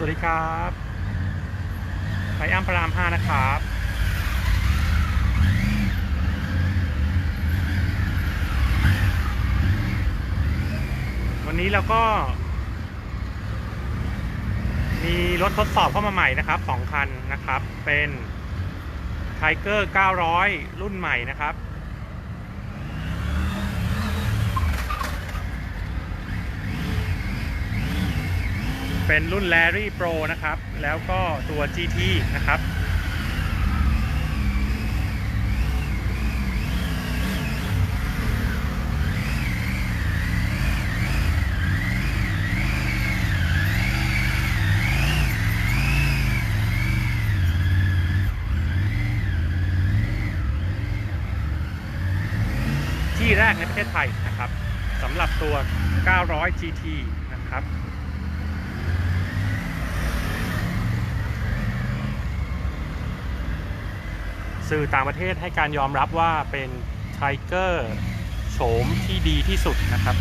วัสดีครับไทอัมพระราม5นะครับวันนี้เราก็มีรถทดสอบเข้ามาใหม่นะครับ2คันนะครับเป็น Tiger 900 รุ่นใหม่นะครับเป็นรุ่น Larry Pro นะครับแล้วก็ตัว GT นะครับที่แรกในประเทศไทยนะครับสำหรับตัว 900 GT นะครับสื่อต่างประเทศให้การยอมรับว่าเป็นไทเกอร์โฉมที่ดีที่สุดนะครับ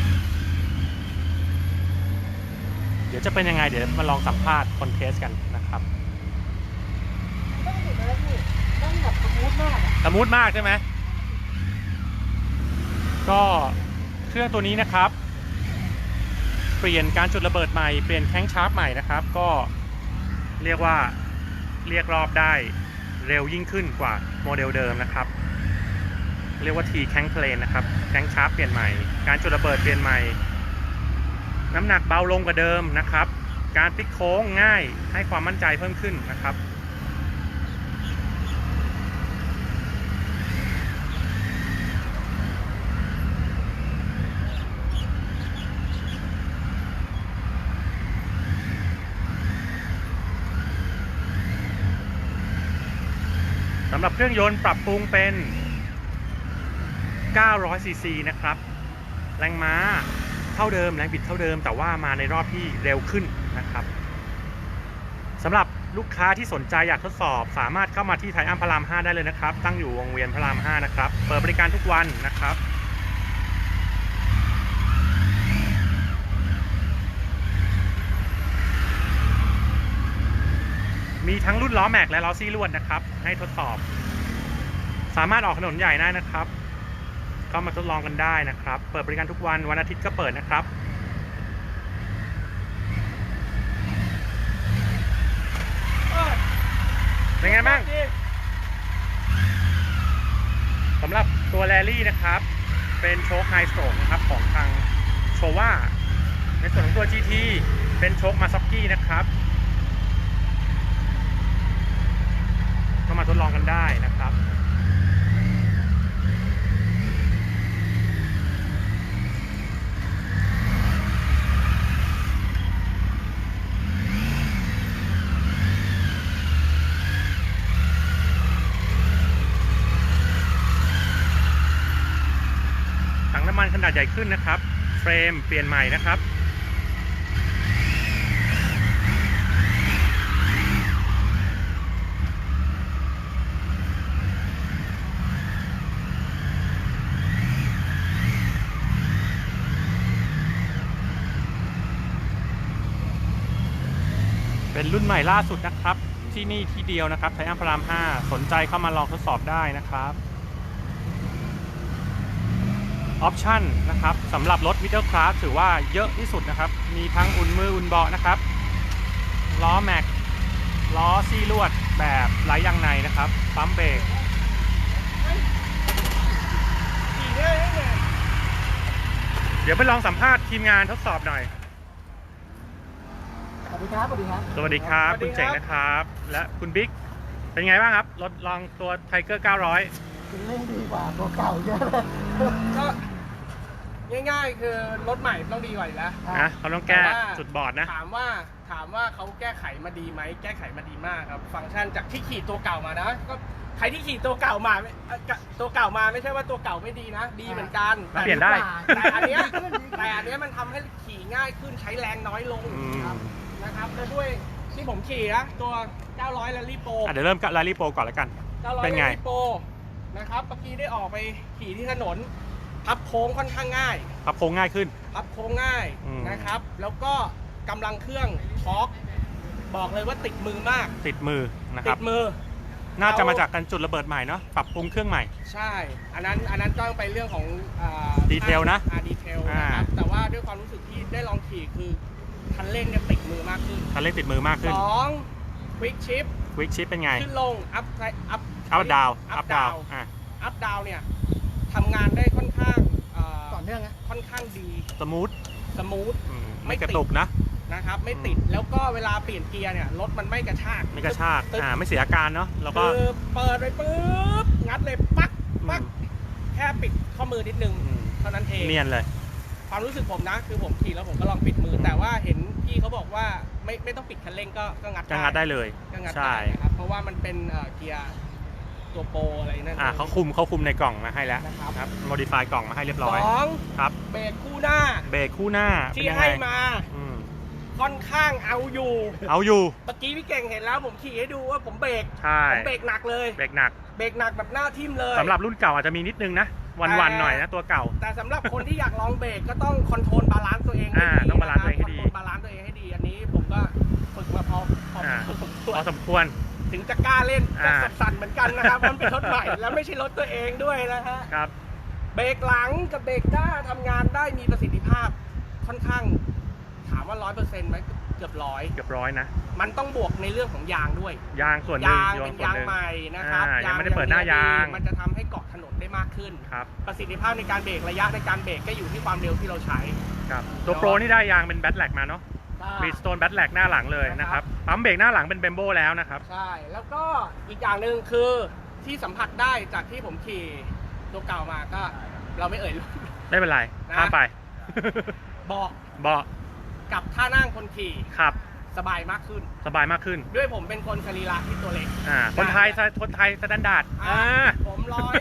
เดี๋ยวจะเป็นยังไงเดี๋ยวมาลองสัมภาษณ์คนเทสกันนะครับต้องหยุดแล้วพี่ต้องแบบสมูทมากสมูทมากใช่ไหมก็เครื่องตัวนี้นะครับเปลี่ยนการจุดระเบิดใหม่เปลี่ยนแข้งชาร์ปใหม่นะครับก็เรียกว่าเรียกรอบได้เร็วยิ่งขึ้นกว่าโมเดลเดิมนะครับเรียกว่า T แข้งเพลนนะครับแข้งชาร์ปเปลี่ยนใหม่การจุดระเบิดเปลี่ยนใหม่น้ำหนักเบาลงกว่าเดิมนะครับการพลิกโค้งง่ายให้ความมั่นใจเพิ่มขึ้นนะครับสำหรับเครื่องยนต์ปรับปรุงเป็น900 ซีซีนะครับแรงม้าเท่าเดิมแรงบิดเท่าเดิมแต่ว่ามาในรอบที่เร็วขึ้นนะครับสำหรับลูกค้าที่สนใจอยากทดสอบสามารถเข้ามาที่ไทอัมพระราม5ได้เลยนะครับตั้งอยู่วงเวียนพระราม5นะครับเปิดบริการทุกวันนะครับมีทั้งรุ่นล้อแม็กและล้อซี่ลวดนะครับให้ทดสอบสามารถออกถนนใหญ่ได้นะครับก็มาทดลองกันได้นะครับเปิดบริการทุกวันวันอาทิตย์ก็เปิดนะครับเป็นไงบ้างสำหรับตัวแรลลี่นะครับเป็นโชคไฮสโตรกนะครับของทางโชว่าในส่วนของตัว GT เป็นโชคมาซ็อกกี้นะครับก็มาทดลองกันได้นะครับถังน้ำมันขนาดใหญ่ขึ้นนะครับเฟรมเปลี่ยนใหม่นะครับเป็นรุ่นใหม่ล่าสุดนะครับที่นี่ที่เดียวนะครับไทอัมพระราม5สนใจเข้ามาลองทดสอบได้นะครับออปชั่นนะครับสำหรับรถมิดเดิลคลาสถือว่าเยอะที่สุดนะครับมีทั้งอุ่นมืออุ่นเบาะนะครับล้อแม็กล้อซี่ลวดแบบไร้ยางในนะครับปั๊มเบรกเดี๋ยวไปลองสัมภาษณ์ทีมงานทดสอบหน่อยสวัสดีครับสวัสดีครับสวัสดีครับคุณเจ๋งนะครับและคุณบิ๊กเป็นไงบ้างครับรถลองตัวไทเกอร์900 คุณเล่นดีกว่าตัวเก่าเยอะเลยก็ง่ายๆคือรถใหม่ต้องดีกว่าอยู่แล้วนะเขาต้องแก้จุดบอดนะถามว่าเขาแก้ไขมาดีไหมแก้ไขมาดีมากครับฟังก์ชันจากที่ขี่ตัวเก่ามานะก็ใครที่ขี่ตัวเก่ามาไม่ใช่ว่าตัวเก่าไม่ดีนะดีเหมือนกันเปลี่ยนได้แต่อันเนี้ยมันทำให้ขี่ง่ายขึ้นใช้แรงน้อยลงนะครับและด้วยที่ผมขี่นะตัว900 Rally Pro เดี๋ยวเริ่มกับ Rally Pro ก่อนแล้วกันเป็นไง Rally Pro นะครับเมื่อกี้ได้ออกไปขี่ที่ถนนพับโค้งค่อนข้างง่ายพับโค้งง่ายขึ้นพับโค้งง่ายนะครับแล้วก็กำลังเครื่องทอร์กบอกเลยว่าติดมือมากติดมือนะคติรับดมือน่าจะมาจากการจุดระเบิดใหม่เนาะปรับปรุงเครื่องใหม่ใช่ อันนั้นต้องไปเรื่องของดีเทลนะดีเทลนะครับแต่ว่าด้วยความรู้สึกที่ได้ลองขี่คือคันเร่งเนี่ยติดมือมากขึ้นคันเร่งติดมือมากขึ้น 2 Quick Shift ควิกชิปเป็นไงขึ้นลง up อัพดาว up down อ่ะ up down เนี่ยทำงานได้ค่อนข้างต่อเนื่องนะค่อนข้างดีสมูทสมูทไม่กระตุกนะนะครับไม่ติดแล้วก็เวลาเปลี่ยนเกียร์เนี่ยรถมันไม่กระชากไม่กระชากตึ๊บไม่เสียอาการเนาะแล้วก็คือเปิดไปปุ๊บงัดเลยปักปักแค่ปิดข้อมือนิดนึงเท่านั้นเองเนียนเลยความรู้สึกผมนะคือผมขี่แล้วผมก็ลองปิดมือ แต่ว่าเห็นพี่เขาบอกว่าไม่ต้องปิดคันเร่งก็งัดจะงัดได้เลยก็งัดใช่ได้นะครับเพราะว่ามันเป็นเกียร์ตัวโปรอะไรนั่นเขาคุมในกล่องมาให้แล้วนะครับครับโมดิฟายกล่องมาให้เรียบร้อยสองครับเบรกคู่หน้าเบรกคู่หน้าที่เป็นยังไงให้มาอืมค่อนข้างเอาอยู่เอาอยู่เมื่อกี้พี่เก่งเห็นแล้วผมขี่ให้ดูว่าผมเบรกใช่ผมเบรกหนักเลยเบรกหนักเบรกหนักแบบหน้าทิ่มเลยสำหรับรุ่นเก่าอาจจะมีนิดนึงนะวันๆหน่อยนะตัวเก่าแต่สำหรับคนที่อยากลองเบรกก็ต้องคอนโทรลบาลานซ์ตัวเองให้ดีต้องบาลานซ์ตัวเองให้ดีคอนโทรลบาลานซ์ตัวเองให้ดี อันนี้ผมก็ฝึกมาพอสมควรพอสมควรถึงจะกล้าเล่นก็อ่าสั่นๆเหมือนกันนะครับมันเป็นรถใหม่แล้วไม่ใช่รถตัวเองด้วยนะฮะครับเบรกหลังกับเบรกหน้าทำงานได้มีประสิทธิภาพค่อนข้างถามว่า 100% ไหมเกือบร้อยเกือบร้อยนะมันต้องบวกในเรื่องของยางด้วยยางส่วนหนึ่งยางส่วเป็นนยางหนึ่งใหม่นะครับยังไม่ได้เปิดหน้ายางมันจะทำให้เกาะถนนได้มากขึ้นครับประสิทธิภาพในการเบรกระยะในการเบรกก็อยู่ที่ความเร็วที่เราใช้ครับตัวโปรนี่ได้ยางเป็นแบทแลกมาเนาะบรีสโตนแบทแลกหน้าหลังเลยนะครับปั๊มเบรกหน้าหลังเป็นเบมโบแล้วนะครับใช่ แล้วก็อีกอย่างหนึ่งคือที่สัมผัสได้จากที่ผมขี่ตัวเก่ามาก็เราไม่เอ่ยไม่เป็นไรนะข้ามไปเบาะเบาะกับท่านั่งคนขี่ขับสบายมากขึ้นสบายมากขึ้นด้วยผมเป็นคนสรีระที่ตัวเล็กคนไทยสแตนดาร์ดผม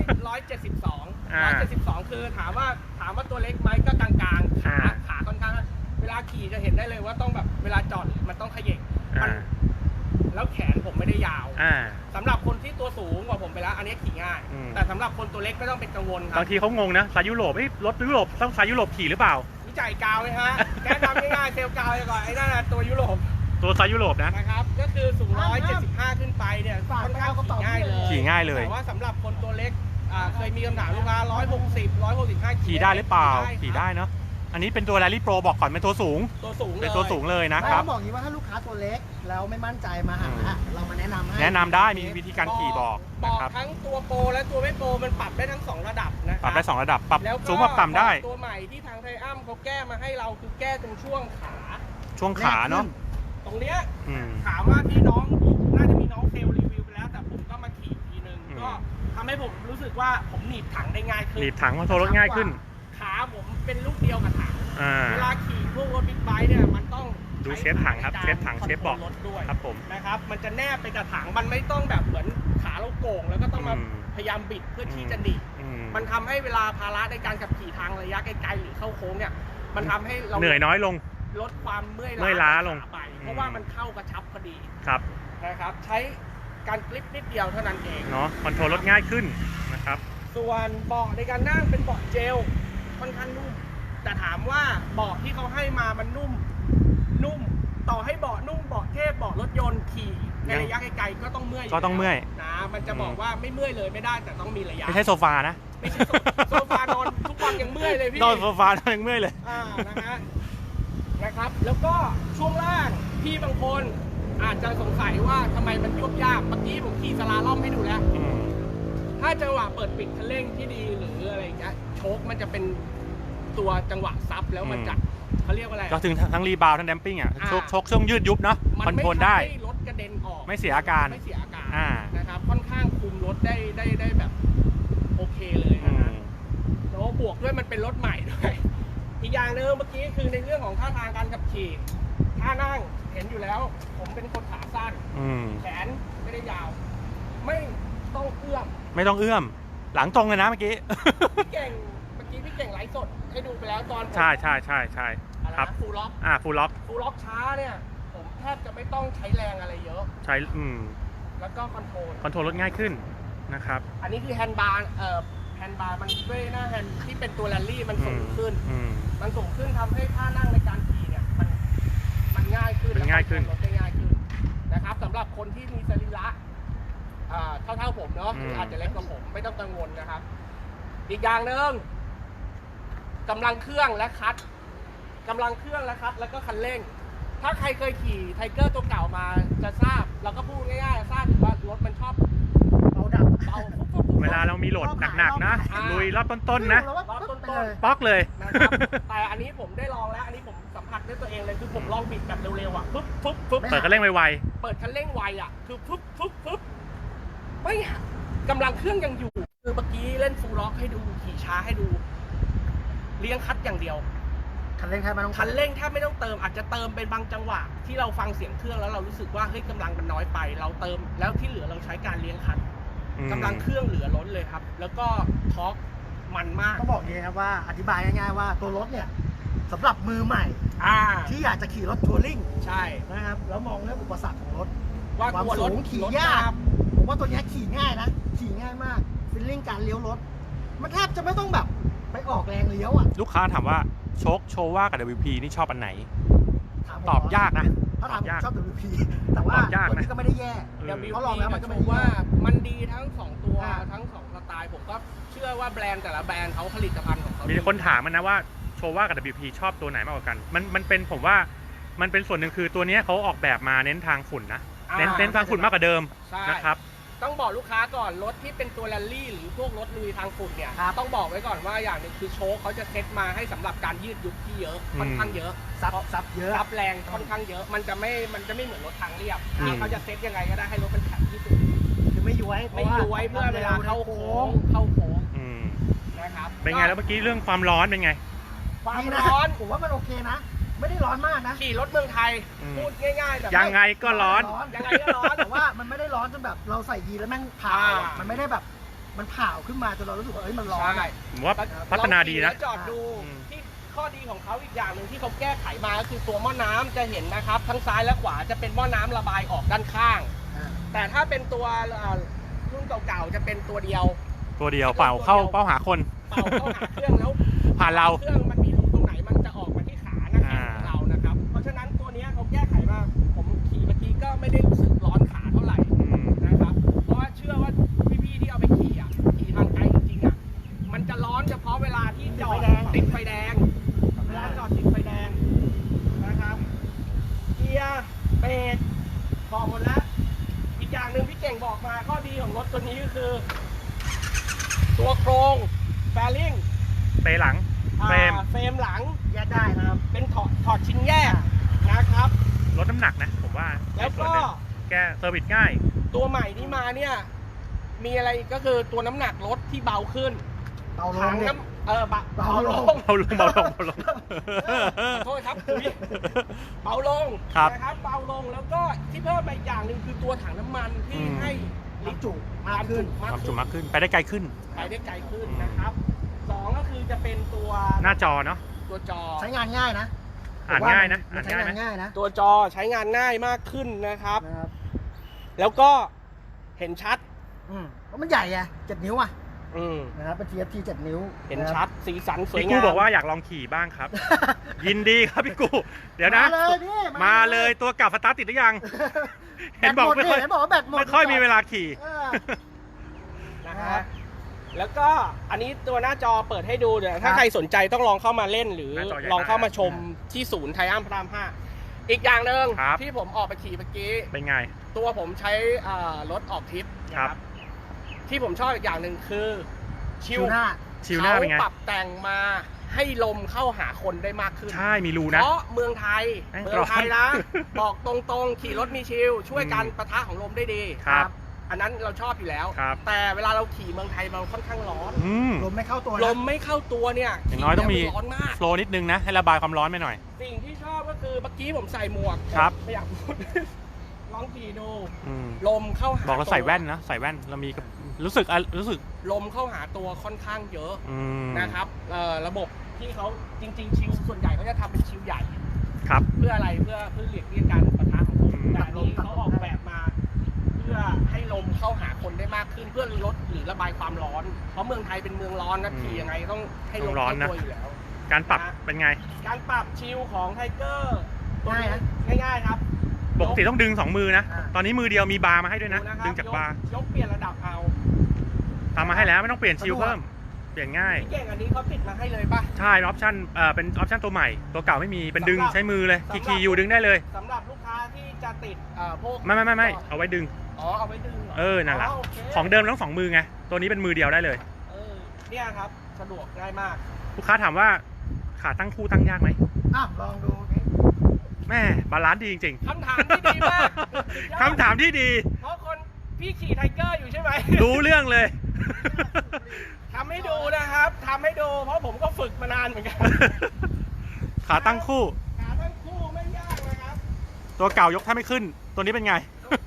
172 อ่า 172 คือถามว่าตัวเล็กไหมก็กลางๆขาค่อนข้างเวลาขี่จะเห็นได้เลยว่าต้องแบบเวลาจอดมันต้องเขย่งมันแล้วแขนผมไม่ได้ยาวสำหรับคนที่ตัวสูงกว่าผมไปแล้วอันนี้ขี่ง่าย แต่สำหรับคนตัวเล็กไม่ต้องเป็นกังวลครับบางทีเขางงนะสายยุโรปรถยุโรปต้องสายยุโรปขี่หรือเปล่าวิจัยกาวไหมฮะ แก้ทำง่ายๆเซลล์กาวไปก่อนไอ้นั่นนะตัวยุโรปตัวสายยุโรปนะนะครับก็คือสูง175 ขึ้นไปเนี่ยค่อนข้างขี่ง่ายเลยขี่ง่ายเลยแต่ว่าสำหรับคนตัวเล็กเคยมีคำถามลูกค้า160 165 ขี่ได้หรือเปล่า ขี่ได้ได้เนาะอันนี้เป็นตัวแรลลี่โปรบอกก่อนเป็นตัวสูงตัวสูงเลยเป็นตัวสูงเลยนะคแล้รับวบอกอย่างนี้ว่าถ้าลูกค้าตัวเล็กแล้วไม่มั่นใจมาหาเรามาแนะนำให้แนะนำได้มีวิธีการขี่บอกนะครับทั้งตัวโปรและตัวไม่โปรมันปรับได้ทั้ง2ระดับนะคปรัรับบ ได้2ระดับปรับแล้วก็สูงปรับต่ำได้ตัวใหม่ที่ทางไทอัมเขาแก้มาให้เราคือแก้ตรงช่วงขาช่วงขาเนาะตรงเนี้ยอืมถามว่าที่น้องน่าจะมีน้องเซลล์รีวิวไปแล้วแต่ผมก็มาขี่ทีนึงอืมก็ทำให้ผมรู้สึกว่าผมหนีบถังได้ง่ายขึ้นหนีบถังคอนโทรลรถง่ายขึ้นขาผมเป็นลูกเดียวกับถังอ่าเวลาขี่พวกรถบิ๊กไบค์เนี่ยมันต้องดูเชฟถังครับใช้เชฟถังในกาเชฟบอกคอนโทรลรถด้วยครับผมนะครับมันจะแนบไปกับถังมันไม่ต้องแบบเหมือนขาเราโก่งแล้วก็ต้องมาอืมพยายามบิดเพื่อที่จะหนีบอืมมันทำให้เวลาภาระในการขับขี่ทางระยะไกลๆหรือเข้าโค้งเนี่ยมันทำให้เราเหนื่อยน้อยลงลดความเมื่อยเมื่อยล้าลงไปเพราะว่ามันเข้ากระชับพอดีครับนะครับใช้การกลิปนิดเดียวเท่านั้นเองเนาะคอนโทรลรถง่ายขึ้นนะครับส่วนเบาะในการนั่งเป็นเบาะเจลค่อนข้างนุ่มแต่ถามว่าเบาะที่เขาให้มามันนุ่มต่อให้เบาะนุ่มเบาะเทพเบาะรถยนต์ขี่ในระยะไกลๆก็ต้องเมื่อยก็ต้องเมื่อยนะมันจะบอกว่าไม่เมื่อยเลยไม่ได้แต่ต้องมีระยะไม่ใช่โซฟานะไม่ใช่โซฟานอนทุกวันยังเมื่อยเลยพี่นอนโซฟานอนยังเมื่อยเลยนะครับแล้วก็ช่วงล่างพี่บางคนอาจจะสงสัยว่าทำไมมันยุบยากเมื่อกี้ผมขี่สลาล่อมให้ดูแล้วอืมถ้าจังหวะเปิดปิดคันเร่งที่ดีหรืออะไรอย่างเงี้ยโชคมันจะเป็นตัวจังหวะซับแล้วมันจะเขาเรียกว่าอะไรก็ถึงทั้งรีบาวทั้งแดมปิ้งอ่ะอ่าชกช่วงยืดยุบเนาะมัคอนไม่โทรลทำได้ให้รถกระเด็นออกไม่เสียอาการไม่เสียอาการอ่านะครับค่อนข้างคุมรถได้แบบโอเคเลยอืนะฮะมแล้วบวกด้วยมันเป็นรถใหม่ด้วย อีกอย่างหนึงเมื่อกี้คือในเรื่องของท่าทางการขับขี่ท่านั่งเห็นอยู่แล้ว ผมเป็นคนขาสั้นอืมแขนไม่ได้ยาว ไม่ต้องเอื้อมไม่ต้องเอื้อม หลังตรงเลยนะเมื่อกี้พี่เก่งเมื่อกี้พี่เก่งไลฟ์สดให้ดูไปแล้วตอนผมใช่อะไรครับนะฟูลล็อกฟูลล็อกฟูลล็อกช้าเนี่ยผมแทบจะไม่ต้องใช้แรงอะไรเยอะใช้แล้วก็คอนโทรลคอนโทรลรถง่ายขึ้นนะครับอันนี้คือแฮนด์บาร์แฮนด์บาร์มันด้วยหน้าแฮนด์ที่เป็นตัวแรลลี่มันสูงขึ้น มันสูงขึ้นทำให้ท่านั่งในการขี่เนี่ยมันง่ายขึ้นมันง่ายขึ้นรถได้ง่ายขึ้นสำหรับคนที่มีสรีระเท่าๆผมเนาะหรืออาจจะเล็กกว่าผมไม่ต้องกังวลนะครับ อีกอย่างหนึ่งกำลังเครื่องและคัดแล้วก็คันเร่ง ถ้าใครเคยขี่ไทเกอร์ตัวเก่ามาจะทราบเราก็พูดง่ายๆทราบว่ารถมันชอบเอาดับเบาเวลาเรามีโหลดหนักๆนะลุยรอบต้นๆนะแล้วว่ารอบปึ๊บต้ไปนเลยป๊อกเลยๆนะครับแต่อันนี้ผมได้ลองแล้วอันนี้ผมสัมผัสด้วยตัวเองเลยคือผมลองบิดแบบเร็วๆอ่ะปึ๊บเปิดคันเร่งไวเปิดคันเร่งไวอ่ะคือไม่กำลังเครื่องยังอยู่คือเมื่อกี้เล่นฟูลล็อกให้ดูขี่ช้าให้ดูเลี้ยงคัดอย่างเดียวคันเร่งแค่ไม่ต้องคันเร่งแทบไม่ต้องเติมอาจจะเติมเป็นบางจังหวะที่เราฟังเสียงเครื่องแล้วเรารู้สึกว่าเฮ้ยกำลังมันน้อยไปเราเติมแล้วที่เหลือเราใช้การเลี้ยงคันๆกำลังเครื่องเหลือล้นเลยครับ แล้วก็ทอร์กมันมากต้องบอกอย่างนี้ครับว่าอธิบายง่ายๆว่าตัวรถเนี่ยสำหรับมือใหม่ ที่อยากจะขี่รถทัวริ่งใช่นะครับแล้วมองเรื่องอุปสรรคของรถว่าความกลัวรสูถงขี่รถยากตามผมว่าตัวเนี้ยขี่ง่ายนะขี่ง่ายมากฟีลลิ่งการเลี้ยวรถมันแทบจะไม่ต้องแบบไปออกแรงเลี้ยวอ่ะลูกค้าถามว่าโชคโชว่ากับ WP นี่ชอบอันไหนถามผมตอบยากนะถ้าถามตอบยากชอบ WP แต่ว่าตอบยากนะตัวนี้ก็ไม่ได้แย่เดี๋ยวเขาลองแล้วมันก็ไม่ได้ว่ามันดีทั้งสองตัวอ่าทั้งสองสไตล์ผมก็เชื่อว่าแบรนด์แต่ละแบรนด์เขาผลิตภัณฑ์ของเขามีคนถามมันนะว่าโชว่ากับ WP ชอบตัวไหนมากกว่ากัน มันเป็นผมว่ามันเป็นส่วนหนึ่งคือตัวเนี้ยเขาออกแบบมาเน้นทางฝุ่นนะ เน้นทางฝุ่นมากกว่าเดิมใช่นะครับต้องบอกลูกค้าก่อนรถที่เป็นตัวแรลลี่หรือพวกรถลุยทางฝุ่นเนี่ยต้องบอกไว้ก่อนว่าอย่างหนึ่งคือโชคเขาจะเซ็ตมาให้สำหรับการยืดยุบที่เยอะค่อนข้างเยอะซับเยอะรับแรงค่อนข้างเยอะ มันจะไม่เหมือนรถทางเรียบอืมเขาจะเซ็ตยังไงก็ได้ให้รถมันแข็งที่สุดคือไม่ย้วยไม่ย้วยเพื่อเวลาเข้าโค้งอืมนะครับเป็นไงแล้วเมื่อกี้เรื่องความร้อนเป็นไงความดีนะร้อนผมว่ามันโอเคนะ ไม่ได้ร้อนมากนะขี่รถเมืองไทยอืมพูดง่ายๆแบบยังไงก็ร้อนยังไงก็ร้อนแต่ว่ามันไม่ได้ร้อนจนแบบเราใส่ยีนแล้วแม่งเผาอะอ่ามัมันไม่ได้แบบมันเผาขึ้นมาจนเรารู้สึกว่าเอ้ยมันร้อนใช่อะผมว่าพัฒนาดีนะลองขี่แล้วจอดดูอืมที่ข้อดีของเขาอีกอย่างหนึ่งที่เขาแก้ไขมาก็คือตัวหม้อน้ำจะเห็นนะครับ ทั้งซ้ายและขวาจะเป็นหม้อน้ำระบายออกด้านข้าง แต่ถ้าเป็นตัวรุ่นเก่าๆจะเป็นตัวเดียวตัวเดียวเป่าเข้าเป้าหาคนเป่าเข้าหาเครื่องแล้วผ่านเราเครื่องมันมีรูตรงไหนมันจะออกมาที่ขาหน้าแข้งของเรานะครับ เพราะฉะนั้นตัวเนี้ยเขาแก้ไขมาผมขี่เมื่อกี้ก็ไม่ได้รู้สึกร้อนขาเท่าไหร่อืมนะครับ เพราะว่าเชื่อว่าพี่ๆที่เอาไปขี่อ่ะขี่ทางไกลจริงๆอ่ะมันจะร้อนเฉพาะเวลาที่จอดติดไฟแดง เวลาจอดติดไฟแดงนะครับเกียร์เบรกบอกหมดแล้ว อีกอย่างหนึ่งพี่เก่งบอกมาข้อดีของรถตัวนี้ก็คือ ตัวโครงแฟลิงเปหลังเฟรมเฟรมหลังแยกได้นะครับเป็นถอดชิ้นแยกนะครับลดน้ำหนักนะผมว่าแล้วก็ในส่นหนึ่งแกเซอร์วิสง่ายตัวใหม่ที่มาเนี่ยมีอะไรก็คือตัวน้ำหนักรถที่เบาขึ้นเบาลถังงเนี่ยน้ำเบาเบาลลงงเบาลงเบาลงเบาลงขอโทษครับอุ๊ยเบาลงครับนะครับเบาลงแล้วก็ที่เพิ่มมาอีกอย่างหนึ่งคือตัวถังน้ำมันที่อืมให้ลิตรจุมากขึ้นความจุมากขึ้นไปได้ไกลขึ้นไปได้ไกลขึ้นนะครับสองก็คือจะเป็นตัวหน้าจอเนาะตัวจอใช้งานง่ายนะอ่านง่ายนะมัอ่านใช้ง่ายงานนะง่ายนะตัวจอใช้งานง่ายมากขึ้นนะครับนะครับแล้วก็เห็นชัดเพราะมันใหญ่ไง7 นิ้วอ่ะอืมนะครับเป็น TFT 7 นิ้วเห็นชัดสีสันสวยพี่งามกูบอกว่าอยากลองขี่บ้างครับ ยินดีครับพี่กูเดี๋ยวนะมาเลยพี่มาเลยตัวเก่าสตาร์ทติดหรือยัง เห็นบอกไม่ค่อยเห็นบอกว่าแบตหมดไม่ค่อยมีเวลาขี่เออนะฮะแล้วก็อันนี้ตัวหน้าจอเปิดให้ดูเดี๋ยวถ้าใครสนใจต้องลองเข้ามาเล่นหรือหน้าจอใหญ่ลองเข้ามาชมที่ศูนย์ไทอัมพระราม 5 อีกอย่างหนึ่งครับที่ผมออกไปขี่เมื่อกี้เป็นไงตัวผมใช้รถออกทริปนะคครัรับ บ ที่ผมชอบอีกอย่างหนึ่งคือชิชิวหน้าชิวหน้าเป็นไงเขาปรับแต่งมาให้ลมเข้าหาคนได้มากขึ้นใช่มีรูนะเพราะเมืองไทยแม่งเมืองไทยนะร้อนบอกตรงๆ ขี่รถมีชิลช่วยกันปะทะของลมได้ดีครับอันนั้นเราชอบอยู่แล้วครับแต่เวลาเราขี่เมืองไทยเราค่อนข้างร้อนอืมลมไม่เข้าตัวนะลมไม่เข้าตัวเนี่ยอย่างน้อยต้องมีขี่แล้วนร้อนมากโฟลว์นิดนึงนะ ให้ระบายความร้อนไปหน่อยสิ่งที่ชอบก็คือเมื่อกี้ผมใส่หมวกครับไม่อยากพูด ลองขี่ดูอืมลมเข้าหาบอกเราใส่ตัวแว่นนะใส่แว่นเรามีกับรู้สึกลมเข้าหาตัวค่อนข้างเยอะอืมนะครับระบบที่เขาจริงๆชิลส่วนใหญ่เขาจะทำเป็นชิลใหญ่ครับเพื่ออะไรเพื่อหลีกเลี่ยงการปะทะของลมอืมแต่อันนี้เขาออกแบบมา เพื่อให้ลมเข้าหาคนได้มากขึ้นเพื่อลดหรือระบายความร้อน เพราะเมืองไทยเป็นเมืองร้อนนะขี่ยังไงต้องให้ลมเข้าตัวอยู่แล้วการปรับเป็นไงการปรับชิลของไทเกอร์ง่ายนะง่ายๆครับปกติต้องดึง2 มือนะ ตอนนี้มือเดียวมีบาร์มาให้ด้วยนะดูนะครับดึงจากบาร์ยกเปลี่ยนระดับเอาทำมาให้แล้วไม่ต้องเปลี่ยนชิลเพิ่ม เปลี่ยนง่ายพี่เก่งอันนี้เขาติดมาให้เลยป่ะใช่ออปชั่นเป็นออปชั่นตัวใหม่ ตัวเก่าไม่มี เป็นดึงสำหรับใช้มือเลยสำหรับคีย์อยู่ดึงได้เลยสำหรับลูกค้าที่จะติดพวกไม่เอาไว้ดึงอ๋อเอาไว้ดึงเหรอนั่นแหละโเคของเดิมต้อง2 มือไง ตัวนี้เป็นมือเดียวได้เลยเนี่ยครับสะดวกง่ายมากลูกค้าถามว่าขาตั้งคู่ตั้งยากไหมอ้าวลองดูนี่แม่บาลานซ์ดีจริงๆคำถามที่ดีมากคำถามที่ดีเพราะคนพี่ขี่ไทเกอร์อยู่ใช่ไหมรู้เรื่องเลยทำให้ดูนะครับทำให้ดูเพราะผมก็ฝึกมานานเหมือนกันขาตั้งคู่ขาทั้งคู่ไม่ยากนะครับตัวเก่ายกแทบไม่ขึ้น ตัวนี้เป็นไง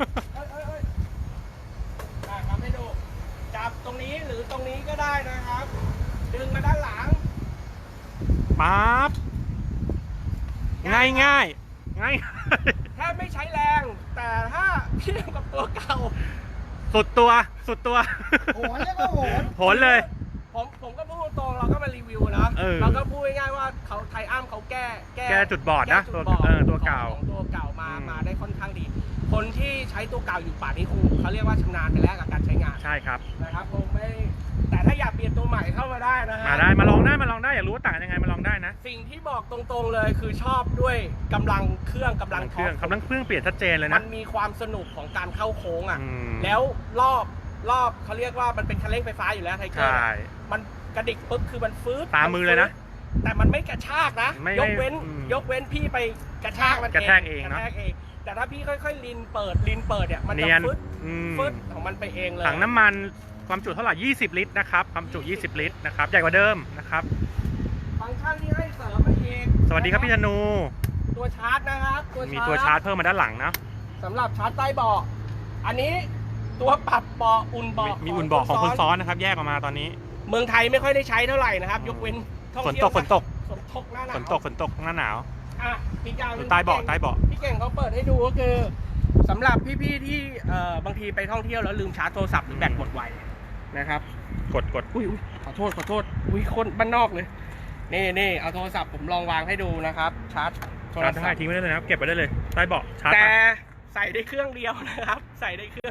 ทำให้ดูจับตรงนี้หรือตรงนี้ก็ได้นะครับ ดึงมาด้านหลังปั๊บ ง่ายง่ายง่ายแทบไม่ใช้แรง แต่ถ้าเทียบกับตัวเก่าสุดตัวสุดตัวโหนเรียกว่าโหนโหนเลยผมก็พูดตรงๆเราก็มารีวิวนะ เราก็พูดง่ายๆว่าเขาไทอัมเขาแก้จุดบอดนะแก้จุตัวบอดตัวเก่าของตัวเก่ามาอืมมาได้ค่อนข้างดี คนที่ใช้ตัวเก่าอยู่ป่านนี้คงเขาเรียกว่าชำนาญไปแล้วกับการใช้งานใช่ครับนะครับคงไม่แต่ถ้าอยากเปลี่ยนตัวใหม่เข้ามาได้นะฮะมาได้มาลองได้อยากรู้ว่าต่างยังไงมาลองได้นะสิ่งที่บอกตรงๆเลยคือชอบด้วยกำลังเครื่องกำลังเคท็อรื่องปกำลังเครื่องเปลี่ยนชัดเจนเลยมันะนมีความสนุกของการเข้าโค้งอ่ะอืมแล้วรอบเขาเรียกว่ามันเป็นคันเร่งไฟฟ้าอยู่แล้วไทเกอใช่ร์มันกระดิกปุ๊บคือมันฟื้นตามมือเลยนะแต่มันไม่กระชากนะไม่ยกเว้นอืมยกเว้นพี่ไปกระชากมันกระแทกเองกเนระอะแทกเอง แต่ถ้าพี่ค่อยๆลินเปิดเนี่ยมันจะเนียนฟึดอืมฟึดของมันไปเองเลยถังน้ำมันความจุเท่าไหร่ 20 ลิตรนะครับ ความจุ 20 ลิตรนะครับ ใหญ่กว่าเดิมนะครับฟังก์ชันที่ให้เสริมมาเองสวัสดีครับพี่ธนูตัวชาร์จนะครับมีตัวชาร์จเพิ่มมาด้านหลังนะสำหรับชาร์จใต้เบาะอันนี้ตัวปรับเบาะอุ่นเบาะมีอุ่นเบาะของคนซ้อนนะครับ แยกออกมาตอนนี้เมืองไทยไม่ค่อยได้ใช้เท่าไหร่นะครับ ยกเว้นท่องฝนเที่ยวตกฝนตกฝนตกหน้าหนาวฝนตกหน้าหนาวอ่ะมีการอยู่ใต้เบาะใต้เบาะพี่เก่งเขาเปิดให้ดูก็คือสำหรับพี่ๆที่บางทีไปท่องเที่ยวแล้วลืมชาร์จโทรศัพท์หรือแบตหมดไวนะครับกดอุ้ยขอโทษอุ้ยคนบ้านนอกเลยนี่เอาโทรศัพท์ผมลองวางให้ดูนะครับชาร์จโทรชาร์จศัได้พท์ทิ้งไว้ได้เลยนะครับ เก็บไว้ได้เลย ใต้เบาะชาร์จแต่ไปใส่ได้เครื่องเดียวนะครับ ใส่ได้เครื่อง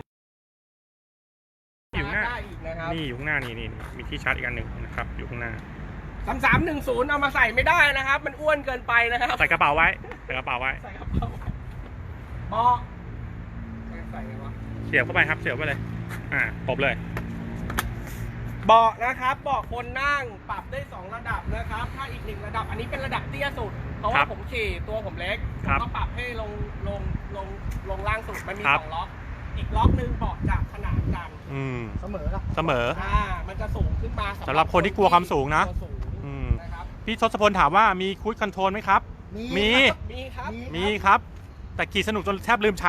อยู่ข้างหน้าได้อีกนะครับนี่อยู่ข้างหน้านี่มีที่ชาร์จอีกอันหนึ่งนะครับ อยู่ข้างหน้า 3310เอามาใส่ไม่ได้นะครับ มันอ้วนเกินไปนะครับใส่กระเป๋าไว้ ใส่กระเป๋าไว้ใส่กระเป๋าเบาะใส่ไงวะเสียบเข้าไปครับ เสียบไปเลย ตบเลยเบาะนะครับเบาะคนนั่งปรับได้2ระดับนะครับ ถ้าอีก1ระดับอันนี้เป็นระดับเตี้ยสุดเพราะครัว่าบผมขี่ตัวผมเล็กผครัมบก็ปรับให้ลงล่างสุดมันมีครับ 2ล็อกอีกล็อกหนึ่งเบาะจะขนานกันเสมอละเสมอมันจะสูงขึ้นมาสำหรับคนที่กลัวความสูงนะตัวสูงอืมนะครับพี่ทศพลถามว่ามีคูดคอนโทรลไหมครับ มีครับมีครับ แต่ขี่สนุกจนแทบลืมใช้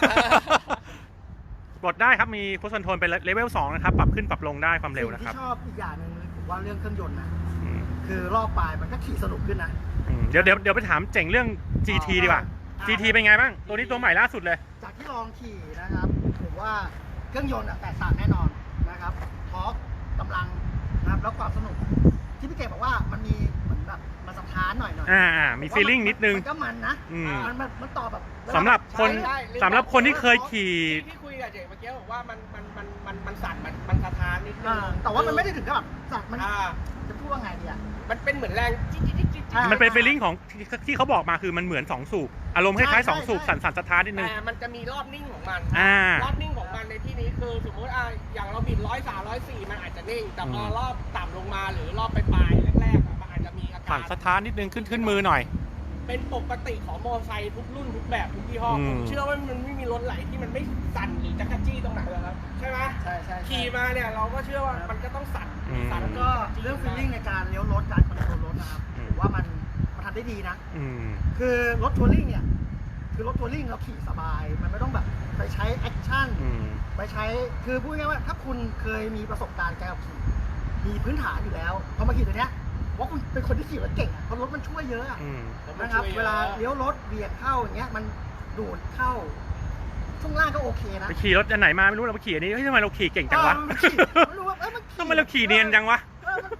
กดได้ครับ มีคูดคอนโทรลเป็นเลเวล2นะครับ ปรับขึ้นปรับลงได้ความเร็วนะครับสิ่งที่ชอบอีกอย่างหนึ่งเลยผมว่าเรื่องเครื่องยนต์นะอืมคือรอบปลายมันก็ขี่สนุกขึ้นนะเดี๋ยวไปถามเจ๋งเรื่อง GT ดีกว่า GT เป็นไงบ้าง ตัวนี้ตัวใหม่ล่าสุดเลยจากที่ลองขี่นะครับผมว่าเครื่องยนต์แตกต่างแน่นอนนะครับทอร์กกำลังนะครับแล้วความสนุก ที่พี่เก๋บอกว่ามันมีเหมือนแบบมันสะท้านหน่อยมีฟีลลิ่งนิดนึงมันก็มันนะอืมมันต่อแบบสำหรับคนใช่สำหรับคนที่เคยขี่ที่คุยกับเจ๋งเมื่อกี้บอกว่ามันสั่นมันสะท้านนิดนึงแต่ว่ามันไม่ได้ถึงกับแบบสัตว์มันอ่าจะพูดว่าไงดีอ่ะมันเป็นเหมือนแรงจิ๊ดอ่ามันเป็นฟีลลิ่งของที่เขาบอกมาคือมันเหมือน2สูบอารมณ์คล้ายๆ2สูบใช่สั่นสะท้านนิดนึงแต่มันจะมีรอบนิ่งของมันรอบนิ่งของมันในที่นี้คือสมมติอย่างเราบิด103 104มันอาจจะนิ่ง แต่พอรอบต่ำลงมาหรือรอบปลายๆแรกๆมันอาจจะมีอาสั่กาน รสะท้านนิดนึงขึ้นมือหน่อยเป็นปกติของมอเตอร์ไซค์ทุกรุ่นทุกแบบทุกยี่ห้ออืมผมเชื่อว่ามันไม่มีรถไหลที่มันไม่สั่นหรือจักรจี้ตรงไหนเลยครับใช่ไหมใช่ใช่ขี่มาเนี่ยเราก็เชื่อว่ามันก็ต้องสั่น สั่นแล้วก็เรื่องฟีลลิ่งในการเลี้ยวรถการคอนโทรลรถนะครับผมว่ามันทำได้ดีนะอืมคือรถทัวริ่งเนี่ยคือรถทัวริ่งเราขี่สบาย มันไม่ต้องแบบไปใช้แอคชั่นอืมไปใช้คือพูดง่ายๆว่าถ้าคุณเคยมีประสบการณ์การขับขี่มีพื้นฐานอยู่แล้วพอมาขี่ตัวเนี้ยว่าคุณเป็นคนที่ขี่รถเก่งอ่ะเพราะรถมันช่วยเยอะอะอืมนะครับเวลาเลี้ยวรถเบียดเข้าอย่างเงี้ยมันดูดเข้าช่วงล่างก็โอเคนะไปขี่รถอันไหนมาไม่รู้เราไปขี่อันนี้เฮ้ยทำไมเราขี่เก่งจังวะมันขี่ไม่รู้ว่ามันขี่ทำไมเราขี่เนียนจังวะมันคว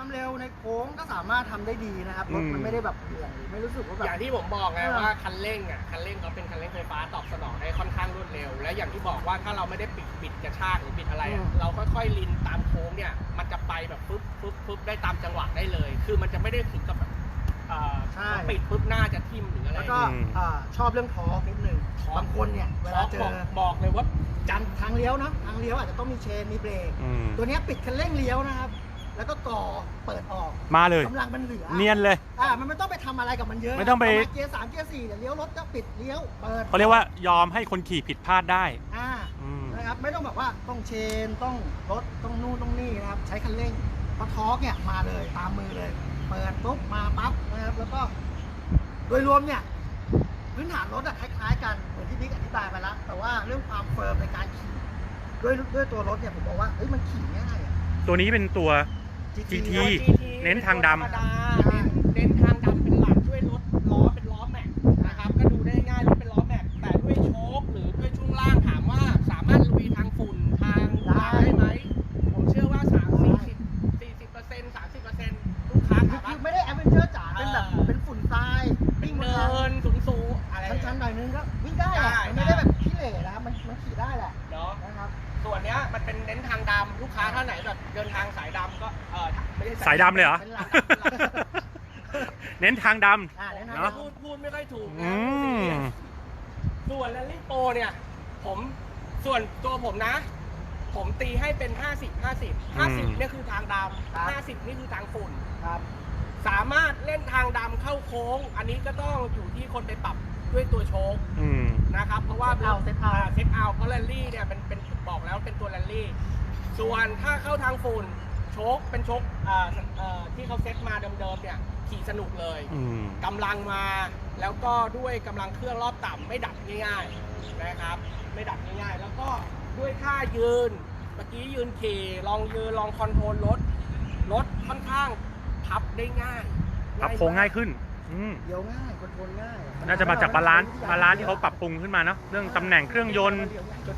ความเร็วในโค้งก็สามารถทำได้ดีนะครับรถมันไม่ได้แบบเหนื่อยไม่รู้สึกว่าแบบอย่างที่ผมบอกไงว่าคันเร่งเขาเป็นคันเร่งไฟฟ้าตอบสนองได้ค่อนข้างรวดเร็ว และอย่างที่บอกว่าถ้าเราไม่ได้ปิดกระชากหรือปิดอะไรเราค่อยๆลินตามโค้งเนี่ยมันจะไปแบบฟึบได้ตามจังหวะได้เลย คือมันจะไม่ได้ถึงกับแบบปิดปุ๊บหน้าจะทิ่มหรืออะไรแล้วก็ชอบเรื่องทอร์กนิดนึงบางคนเนี่ยเวลาเจอบอกเลยว่าจันทางเลี้ยวนะทางเลี้ยวอาจจะต้องมีเชนมีเบรกตัวนี้ปิดคันเร่งเลี้ยวนะครับแล้วก็ก่อเปิดออกมาเลยกำลังมันเหลือเนียนเลยมันไม่ต้องไปทำอะไรกับมันเยอะไม่ต้องไปเกียร์3เกียร์4เดี๋ยวเลี้ยวรถก็ปิดเลี้ยวเปิดเขาเรียกว่ายอมให้คนขี่ผิดพลาดได้นะครับไม่ต้องแบบว่าต้องเชนต้องรถต้องนู่นต้องนี่นะครับใช้คันเร่งพอทอร์กเนี่ยมาเลยตามมือเลยเปิดปุ๊บมาปั๊บนะครับแล้วก็โดยรวมเนี่ยพื้นฐานรถคล้ายๆกันเหมือนที่บิ๊กอธิบายไปแล้วแต่ว่าเรื่องความเฟิร์มในการขี่ด้วยตัวรถเนี่ยผมบอกว่ามันขี่ง่ายตัวนี้เป็นตัว GT เน้นทางดำเน้นทางดำเป็นหลักช่วยลดล้อเป็นล้อแม็กนะครับก็ดูได้ง่ายรถเป็นล้อแม็กแต่ด้วยโชคหรือด้วยช่วงล่างถามว่าสามารถลุยทางฝุ่นทางได้ไหมผมเชื่อว่า40% ลูกค้าคือไม่ได้แอดเวนเจอร์จ๋าเป็นแบบเป็นฝุ่นทรายวิ่งเนินสูงอะไรชั้นๆหน่อยนึงก็วิ่งได้แหละมันไม่ได้แบบขี้เหร่นะครับมันขี่ได้แหละเนาะนะครับส่วนเนี้ยมันเป็นเน้นทางดำลูกค้าท่านไหนแบบเดินทางสายดำก็ไม่ได้สายดำเลยเหรอเน้นทางดำเนาะพูดไม่ค่อยถูกนะส่วนแรลลี่โปรเนี่ยส่วนตัวผมนะผมตีให้เป็น50เนี่ยคือทางดำ50นี่คือทางฝุ่นครับสามารถเล่นทางดำเข้าโค้งอันนี้ก็ต้องอยู่ที่คนไปปรับด้วยตัวโชคนะครับเพราะว่าเซตเอาเพราะแรลลี่เนี่ยเป็นบอกแล้วเป็นตัวแรลลี่ส่วนถ้าเข้าทางฝุ่นโชคเป็นโชคที่เขาเซตมาเดิมๆเนี่ยขี่สนุกเลยกำลังมาแล้วก็ด้วยกำลังเครื่องรอบต่ำไม่ดับง่ายๆนะครับไม่ดับง่ายๆแล้วก็ด้วยท่ายืนเมื่อกี้ยืนขี่ลองยืนลองคอนโทรลรถค่อนข้างพับได้ง่ายพับโค้งง่ายขึ้นเดี๋ยวง่ายคอนโทรลง่ายน่าจะมาจากบาลานซ์ที่เขาปรับปรุงขึ้นมาเนาะเรื่องตำแหน่งเครื่องยนต์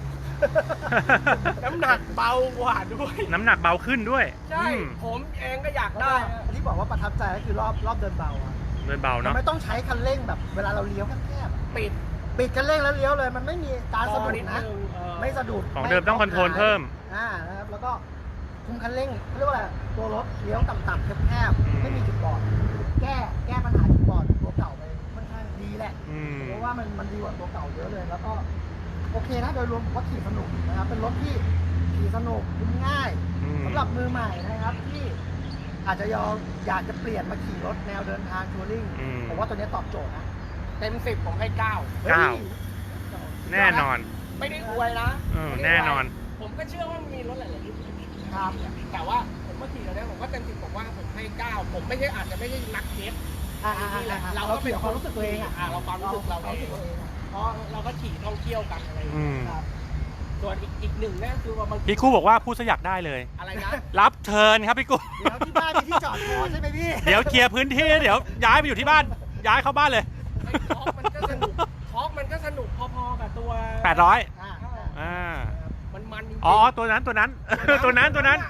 น้ำหนักเบากว่าด้วยน้ำหนักเบาขึ้นด้วยใช่ผมเองก็อยากได้ที่บอกว่าประทับใจก็คือรอบเดินเบาเดินเบาเนาะไม่ต้องใช้คันเร่งแบบเวลาเราเลี้ยวแคบปิดคันเร่งแล้วเลี้ยวเลยมันไม่มีการสะดุดนะไม่สะดุดของเดิมต้องคอนโทรลเพิ่มนะครับแล้วก็คุมคันเร่งเรียกว่าอะไรตัวรถเลี้ยวต่ำๆแคบๆไม่มีจุดบอดแก้ปัญหาจุดบอดตัวเก่าไปค่อนข้างดีแหละเพราะว่ามันดีกว่าตัวเก่าเยอะเลยแล้วก็โอเคนะโดยรวมผมว่าขี่สนุกนะครับเป็นรถที่ขี่สนุกคุ้มง่ายสำหรับมือใหม่นะครับที่อาจจะอยากจะเปลี่ยนมาขี่รถแนวเดินทางทัวริงผมว่าตัวนี้ตอบโจทย์นะเต็ม10ผมให้9 แน่นอนไม่ได้อวยนะแน่นอนผมก็เชื่อว่ามีรถหลายๆรุ่นครับแต่ว่าผมมาขี่แล้วเนี่ยผมก็เต็ม10ผมว่าผมให้9ผมไม่ใช่อาจจะไม่ใช่นักเทสเราก็เป็นความรู้สึกตัวเองเราความรู้สึกเราเองเพราะเราก็ขี่ท่องเที่ยวกันอะไรอย่างเงี้ยส่วนอีกหนึ่งเนี่ยคือว่าพี่กู้บอกว่าพูดซะอยากได้เลยอะไรนะรับเชิญครับพี่กู้เดี๋ยวที่บ้านมีที่จอดพอใช่ไหมพี่เดี๋ยวเคลียร์พื้นที่เดี๋ยวย้ายไปอยู่ที่บ้านย้ายเข้าบ้านเลยทอล์กมันก็สนุกพอๆกับตัว 800 มันจริงอ๋อตัวนั้นตัวน้ำเงินตัวน้ำเงิน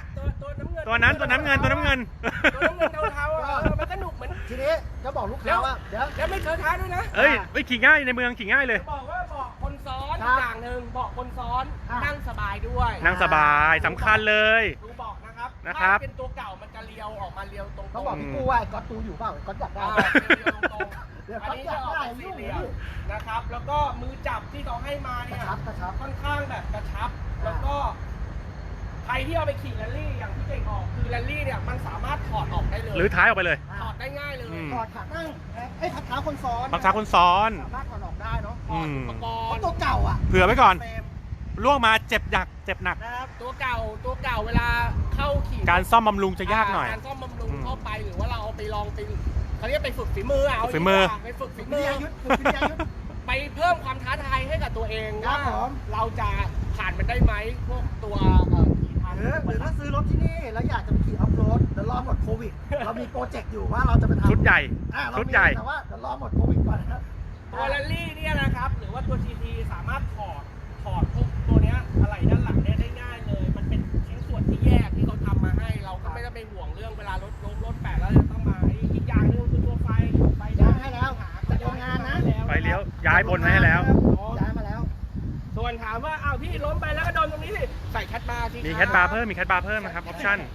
เทาๆมันสนุกเหมือนทีนี้จะบอกลูกค้าว่าแล้วไม่เคยท้าด้วยนะไม่ขี่ง่ายในเมืองขี่ง่ายเลยบอกว่าบอกคนซ้อนอย่างหนึ่งบอกคนซ้อนนั่งสบายด้วยนั่งสบายสำคัญเลยดูบอกนะครับเป็นตัวเก่ามันจะเลี้ยวออกมาเลี้ยวตรงต้องบอกพี่ปูว่าก๊อตตูอยู่เปล่าก๊อตอยากได้อันนี้จะออกสี่เหลี่ยมนะครับแล้วก็มือจับที่เขาให้มาเนี่ยค่อนข้างแบบกระชับแล้วก็ใครที่เอาไปขี่แรลลี่อย่างที่เก่งออกคือแรลลี่เนี่ยมันสามารถถอดออกได้เลยหรือท้ายออกไปเลยถอดได้ง่ายเลยถอดขาตั้งพักเท้าคนซ้อนพักเท้าคนซ้อนสามารถถอดออกได้เนาะอุปกรณ์ตัวเก่าเผื่อไว้ก่อนล่วงมาเจ็บหนักนะครับตัวเก่าเวลาเข้าขี่การซ่อมบำรุงจะยากหน่อยการซ่อมบำรุงเข้าไปหรือว่าเราเอาไปลองเขาเรียกไปฝึกฝีมือไปฝึกฝีมือไปเพิ่มความท้าทายให้กับตัวเองว่าเราจะผ่านมันได้ไหมพวกตัวขี่ทางหรือถ้าซื้อรถที่นี่แล้วอยากจะไปขี่ออฟโรดเดี๋ยวรอหมดโควิดเรามีโปรเจกต์อยู่ว่าเราจะไปทำชุดใหญ่แต่ว่าเดี๋ยวรอหมดโควิดก่อนนะครับตัวแรลลี่เนี่ยนะครับหรือว่าตัว GT สามารถถอดพวกตัวเนี้ยอะไรด้านหลังเนี่ยได้ง่ายเลยมันเป็นชิ้นส่วนที่แยกที่เขาทำมาให้เราก็ไม่ต้องไปห่วงเรื่องเวลารถล้มรถแปะแล้วจะต้องมาอีกอย่างหนึงคือตัวไฟย้ายให้แล้วจะทำงานนะไฟเลี้ยวย้ายบนไว้ให้แล้วย้ายมาแล้วส่วนถามว่าอ้าวพี่ล้มไปแล้วก็โดนตรงนี้สิใส่แคทบาร์สิมีแคทบาร์เพิ่มมีแคทบาร์เพิ่มนะครับออปชั่น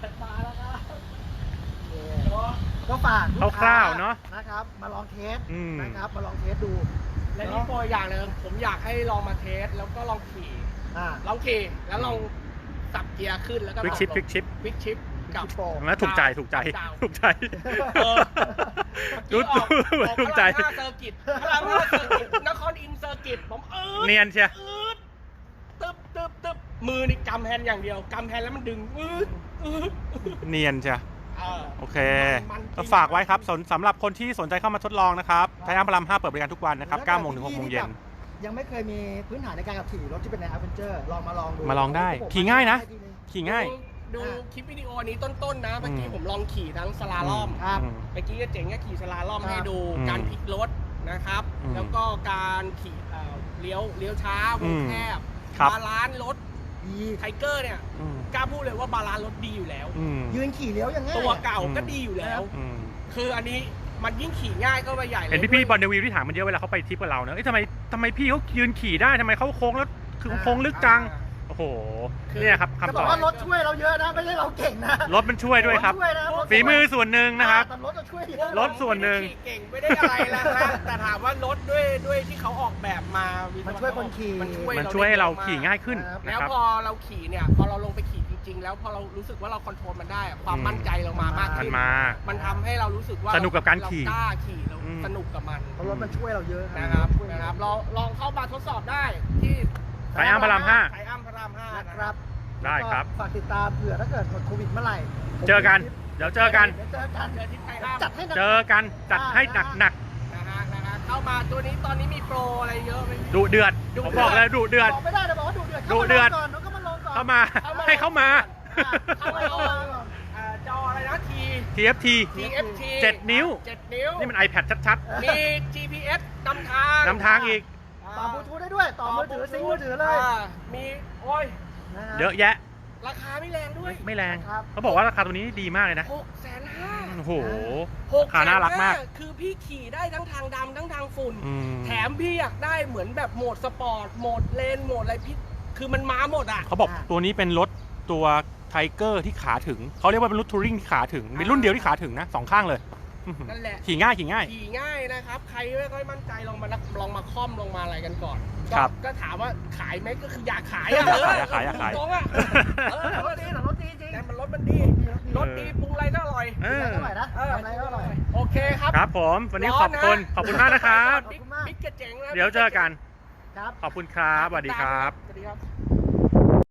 ก็ฝากลูกคร่าวๆเนอะนะครับ มาลองเทสอืมนะครับ มาลองเทสดูและนี่โปรอย่างหนึงผมอยากให้ลองมาเทสแล้วก็ลองขี่อ่าลองขี่แล้วลองสับเกียร์ขึ้นแล้วก็ควิกชิปลงควิกชิปควิกชิปกับโปรแล้วถูกใจถูกใจดาวถูกใจเออรู้ออกถูกใจพระราม5เซอร์กิตพระราม5เซอร์กิตนครอินทร์เซอร์กิตผมเนียนเชียตึ๊บตึ๊บมือนี่กำแฮนด์อย่างเดียวกำแฮนด์แล้วมันดึงเนียนเชียเออโอเคมันจริงก็ฝากไว้ครับสำหรับคนที่สนใจเข้ามาทดลองนะครับไทยอัมพาราม5เปิดบริการทุกวันนะครับ9โมงถึง6โมงเย็นยังไม่เคยมีพื้นฐานในการขับขี่รถที่เป็นใน Adventure ลองมาลองดูมาลองได้ขี่ง่ายนะ ขี่ง่ายดูคลิปวิดีโอนี้ต้นๆนะเมื่อกี้ผมลองขี่ทั้งสลาล่อมครับเมื่อกี้ก็เจ๋งก็ขี่สลาล่อมครับให้ดูอืมการพลิกรถนะครับอืมแล้วก็การขี่เลี้ยวช้าวงแคบครับบาลานซ์รถดีไทเกอร์เนี่ยอืมกล้าพูดเลยว่าบาลานซ์รถดีอยู่แล้วอืมยืนขี่เลี้ยวยังง่ายตัวเก่าก็ดีอยู่แล้วอืมคืออันนี้มันยิ่งขี่ง่ายก็ไปใหญ่เลยเห็นพี่ๆบอลเดวิลที่ถามมันเยอะเวลาเขาไปทริปกับเราเนอะเอ้ยทำไมพี่เขายืนขี่ได้ทำไมเขาโค้งแล้วคือโค้งลึกจัง โอ้โห เนี่ยครับจะคำบตออก บว่ารถช่วยเราเยอะนะ ไม่ใช่เราเก่งนะรถมันช่วยด้วยครับถช่วยนะรถฝีมือส่วนหนึ่งนะครับแต่รถจะช่วยเยอะรถส่วนหนึ่งไม่ได้ขี่เก่งไม่ได้อะไรแล้วนะ แต่ถามว่ารถด้วยที่เขาออกแบบมาวิศมันกรช่วยคนขี่มันช่วยให้เราได้ขี่ง่ายขึ้นครับนะแล้วครับพอเราขี่เนี่ยพอเราลงไปขี่จริงๆ แล้วพอเรารู้สึกว่าเราคอนโทรลมันได้อะความมั่นใจเรามามากมันขึ้นมามันทำให้เรารู้สึกว่าสนุกกับการขี่เกล้าขี่เราอืมสนุกกับมันเพราะรถมันช่วยเราเยอะนะครับลองเข้ามาทดสอบได้ที่ไทยอัมพารามไทยอัมพาราม5 นะนะคครัรับบได้ครับฝากติดตามเผื่อถ้าเกิดหมดโควิดเมื่อไหร่เจอกัน เดี๋ยวเจอกันเดี๋ยวเจอกันเจอที่ไทยอัมจัดให้หนักเจอกันจัดให้หนักนะฮะเข้ามาตัวนี้ตอนนี้มีโปรอะไรเยอะไหมๆดุเดือด ผมบอกเลยดุเดือดบอกไม่ได้แต่บอกว่าดุเดือดดุเดือดก่อนแล้วก็มาลงก่อนเข้ามาให้เข้ามาเข้ามาก่อนจออะไรนะ TFT TFT 7 นิ้ว 7 นิ้วนี่มัน iPad ชัดมี GPS นำทางๆนำทางอีกต่อบลูทูธได้ด้วย ต่อมือถือซิงค์มือถือเลยมีโอ้ยนะฮะเยอะแยะราคาไม่แรงด้วยไม่แรงครับเขาบอกว่าราคาตัวนี้ดีมากเลยนะ 650,000 โอ้โห 650,000 ราคาน่ารักมากคือพี่ขี่ได้ทั้งทางดำทั้งทางฝุ่นอืมแถมพี่อยากได้เหมือนแบบโหมดสปอร์ต โหมดเลน โหมดอะไรพี่ คือมันมาหมดอ่ะเขาบอกตัวนี้เป็นรถตัวไทเกอร์ที่ขาถึง เขาเรียกว่าเป็นรถทัวริงที่ขาถึงเป็นรุ่นเดียวที่ขาถึงนะสองข้างเลยนั่นแหละขี่ง่ายขี่ง่ายขี่ง่ายนะครับ ใครไม่ค่อยมั่นใจลองมาค่อมลองมาอะไรกันก่อนครับก็ถามว่าขายไหมก็คืออยากขายอ่ะอยากขายอยากขายตรงๆอ่ะแต่รถดีแต่รถดีจริงแต่มันรถมันดี รถดีปรุงอะไรก็อร่อยเออเท่าไหร่นะทำอะไรก็อร่อยโอเคครับครับผม วันนี้ขอบคุณมากนะครับบิ๊กกระเจ๋งแล้วเดี๋ยวเจอกันครับขอบคุณครับสวัสดีครับ